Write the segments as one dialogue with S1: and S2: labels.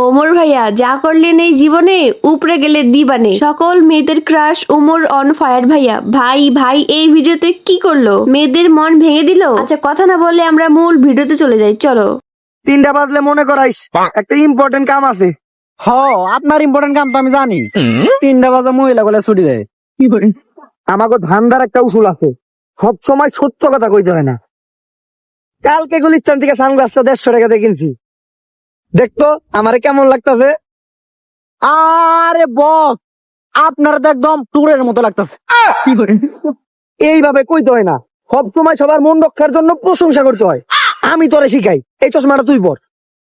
S1: ওমর ভাইয়া যা করলেন এই জীবনে উপরে গেলে দিবানে। সকল মেয়েদের ক্রাশ ওমর অন ফায়ার ভাইয়া। ভাই ভাই এই ভিডিওতে কি করলো, মেয়েদের মন ভেঙে দিল। আচ্ছা কথা না বলে আমরা মূল ভিডিওতে চলে যাই, চলো।
S2: 3টা বাজলে মনে করাইস একটা ইম্পর্টেন্ট কাম আছে।
S3: আপনার ইম্পর্টেন্ট কাম তো আমি জানি। 3টা বাজে মহিলা গুলা ছুটি দেয়।
S2: আমাকে ধান্দার একটা উসুল আছে, সব সময় সত্য কথা কইতে হয় না। কালকে গুলিস্তান থেকে সানগ্লাসটা 150 টাকাতে কিনছি, দেখতো আমারে কেমন লাগতাছে।
S3: আরে বস, আপনার তো একদম টুরের মতো লাগতেছে।
S2: এইভাবে কইতে হয় না, সব সময় সবার মন রক্ষার জন্য প্রশংসা করতে হয়। আমি তোরে শিখাই, এই চশমাটা তুই পর।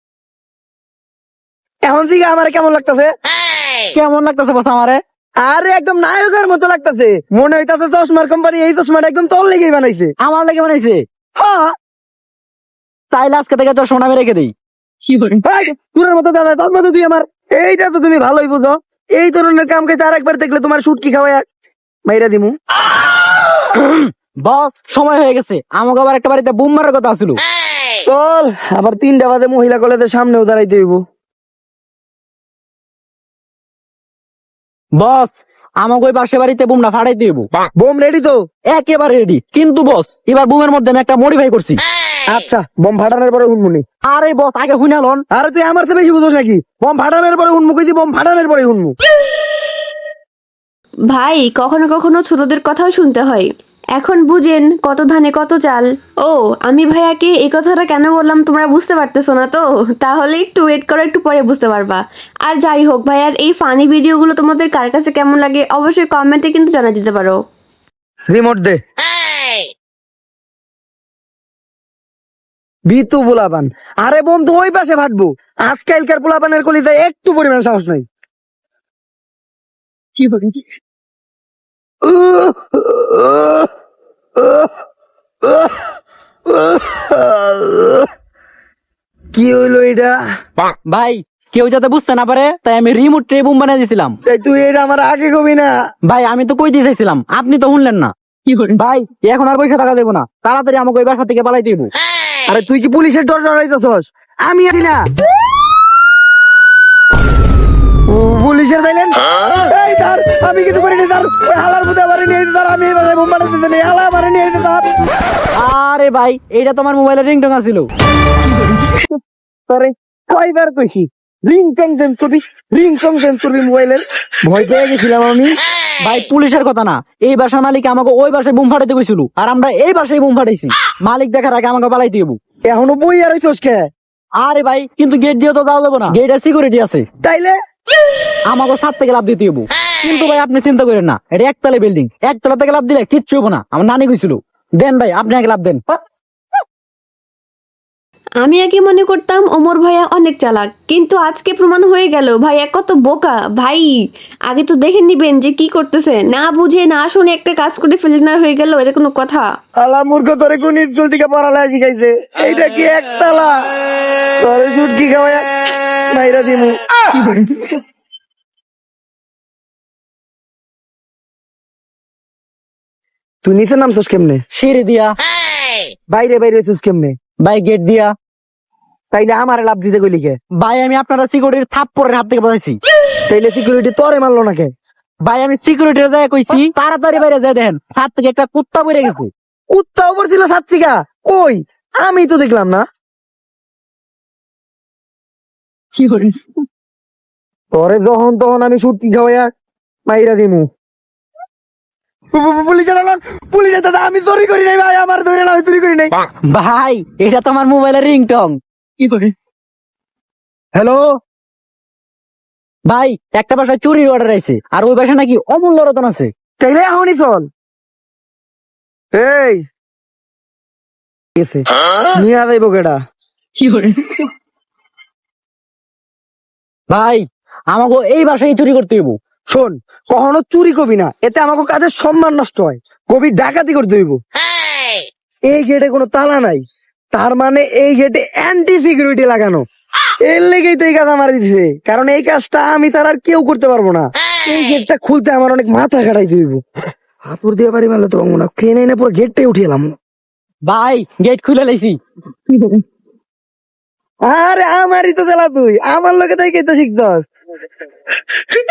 S2: এখন থেকে আমারে কেমন লাগতাছে?
S3: কেমন লাগতেছে বস আমারে?
S2: আরে একদম নায়কের মতো লাগতাছে। মনে হইতাছে চশমার কোম্পানি এই চশমাটা একদম তোর লেগেই বানাইছে।
S3: আমার লেগে বানাইছে?
S2: হ্যাঁ,
S3: তাইলে আজকে থেকে তোর সোনা রেখে দিই।
S2: তোর মতো দাদা, তোর মতো তুই আমার। এইটা তো তুমি ভালোই বুঝো। এই ধরনের কাম কাজ আর একবার দেখলে তোমার শুটকি খাওয়াই মাইরা দিমু।
S3: বস সময় হয়ে গেছে, আমাকে আবার একটা বাড়িতে বুম মারার কথা ছিল।
S2: চল, আবার 3টা বাজে মহিলা কলেজের সামনেও দাঁড়াইতে হইব।
S3: বস আমাকে ওই পাশে বাড়িতে বুমটা ফাটাই দিব।
S2: বোম রেডি তো?
S3: একেবারে রেডি, কিন্তু বস এবার বুমের মধ্যে আমি একটা মডিফাই করছি।
S2: আচ্ছা, বোম ফাটানোর পরে হুনমুনি।
S3: আরে বস আগে হুইনালন।
S2: আরে তুই আমার চেয়ে বেশি বুঝোস নাকি? বোম ফাটানোর পরে হুনমু কইছি, বোম ফাটানোর পরে হুনমু।
S1: ভাই কখনো কখনো ছোটদের কথাও শুনতে হয়। এখন বুঝেন কত ধানে কত চাল। ও আমি ভাইয়াকে এই কথাটা কেন বললাম তোমরা বুঝতে পারতেছো না তো? তাহলে একটু ওয়েট করো, একটু পরে বুঝতে পারবা। আর যাই হোক ভাইয়ার এই ফানি ভিডিওগুলো তোমাদের কার কাছে কেমন লাগে অবশ্যই কমেন্টে কিন্তু জানিয়ে দিতে পারো।
S2: রিমোট দে। বিতু পোলাপান। আরে বন্ধু ওই পাশে ফাটবো। আজকালকার পোলাপানের কলিতে একটু পরিমাণ সাহস নাই। কি বলি? কি হইলো এটা?
S3: ভাই কেউ যাতে বুঝতে না পারে তাই আমি রিমোট ট্রে বুম বানিয়ে দিয়েছিলাম।
S2: এই তুই এটা আমার আগে কবি না।
S3: ভাই আমি তো কই দিয়ে চাইছিলাম, আপনি তো শুনলেন না। ভাই এখন আর পয়সা টাকা দেবো না, তাড়াতাড়ি আমাকে ওই বাসা থেকে পালাই দিব।
S2: আরে তুই কি পুলিশের ডর ডরাইতেছস? আমি আছি না। ও পুলিশের তাইলেন? এই তার আমি কিছু করিনি, তার ওই হালার মধ্যে আমারে নিয়ে যেতে, তার আমি এবারে বোম বানাতে দিতে নেই, হালা আমারে নিয়ে যেতে তার।
S3: আরে ভাই এইটা তোমার মোবাইলের রিংটং আছিল।
S2: তোরে কয়বার কইছি রিংটং চেঞ্জ করবি মোবাইলের? ভয় পেয়ে গেছিলাম আমি।
S3: ভাই পুলিশের কথা না, এই বাসার মালিক আমাকে ওই বাসায় বুম ফাটাইতে কইছিল, আর আমরা এই বাসায় বুম ফাটাইছি। মালিক দেখার আগে আমাকে পালাইতে হইব।
S2: এখনো বই আর হইছস কে?
S3: আরে ভাই কিন্তু গেট দিয়ে তো যাওয়া যাবো না, গেটের সিকিউরিটি আছে।
S2: তাইলে
S3: আমাকে 7 থেকে লাভ দিতে হইব। কিন্তু ভাই আপনি চিন্তা করেন না, এটা একতলা বিল্ডিং, একতলা থেকে লাভ দিলে কিচ্ছু হবো না। আমার নানি কইছিল। দেন ভাই আপনি আগে লাভ দেন।
S1: আমি আগে মনে করতাম ওমর ভাইয়া অনেক চালাক, কিন্তু আজকে প্রমাণ হয়ে গেল ভাইয়া কত বোকা। ভাই আগে তো দেখে নিবেন যে কি করতেছে, না বুঝে না শুনে একটা কাজ করে ফেলনার হয়ে গেল, এটা কোনো কথা?
S2: আলা মূর্খ, তোরে কোন স্কুল থেকে পড়ালেখা শিখাইছে? এইটা কি একতলা? তোরে সুটকি খাওয়ায় মাইরা দিমু। তুই নিচে নামছস কেমনে?
S3: সিঁড়ি দিয়া।
S2: বাইরে বাইরে হইছস কেমনে?
S3: ভাই গেট দিয়া।
S2: তাইলে আমারে লাভ দিতে কইলি কে?
S3: ভাই আমি আপনারা সিকিউরিটির থাপ্পড়ের হাত থেকে বাঁচাইছি।
S2: তাইলে সিকিউরিটি তোরে মারলো না কে?
S3: ভাই আমি সিকিউরিটির যায় কইছি তাড়াতাড়ি বাইরে যায়, দেখেন হাত থেকে একটা কুত্তা বেড়ে গেছে।
S2: উত্তাও পড়ছিল ছাত্রিকা? কই, আমি তো দেখলাম না। তোরে যখন তখন আমি সুটকি খাওয়াইয়া মাইরা দিমু। পুলিশের দাদা, আমি চুরি করি নাই ভাই, আমার ধরে না, আমি চুরি করি নাই।
S3: ভাই এটা তো আমার মোবাইলের রিংটং। হ্যালো ভাই, একটা বাসায় চুরির অর্ডার আইছে, আর ওই বাসায় নাকি অমূল্য রতন আছে।
S2: তাইলে এখনই চল। এই গেছে নিয়ে যাইব কেডা?
S3: ভাই আমাকে এই বাসায় চুরি করতে হইব।
S2: শোন, কখনো চুরি করবি না, এতে আমাকে কাজের সম্মান নষ্ট হয়। কবি ডাকাতি করতে হইব। এই গেটে কোনো তালা নাই, তার মানে এই গেটে অ্যান্টি সিকিউরিটি লাগানো। এর লেগেই তো এই কাজ আমার দিছে, কারণ এই কাজটা আমি তার আর কেউ করতে পারবো না। এই গেটটা খুলতে আমার অনেক মাথা খাটাইতে হইব। হাতুর দিয়ে পারি মারলে তো পারবো না, ট্রেনে এনে পুরো গেটটাই উঠিয়ে এলাম।
S3: ভাই গেট খুলে লাইছি।
S2: আরে আমারই তো তেলা তুই আমার লোকে তাই কেতে শিখছস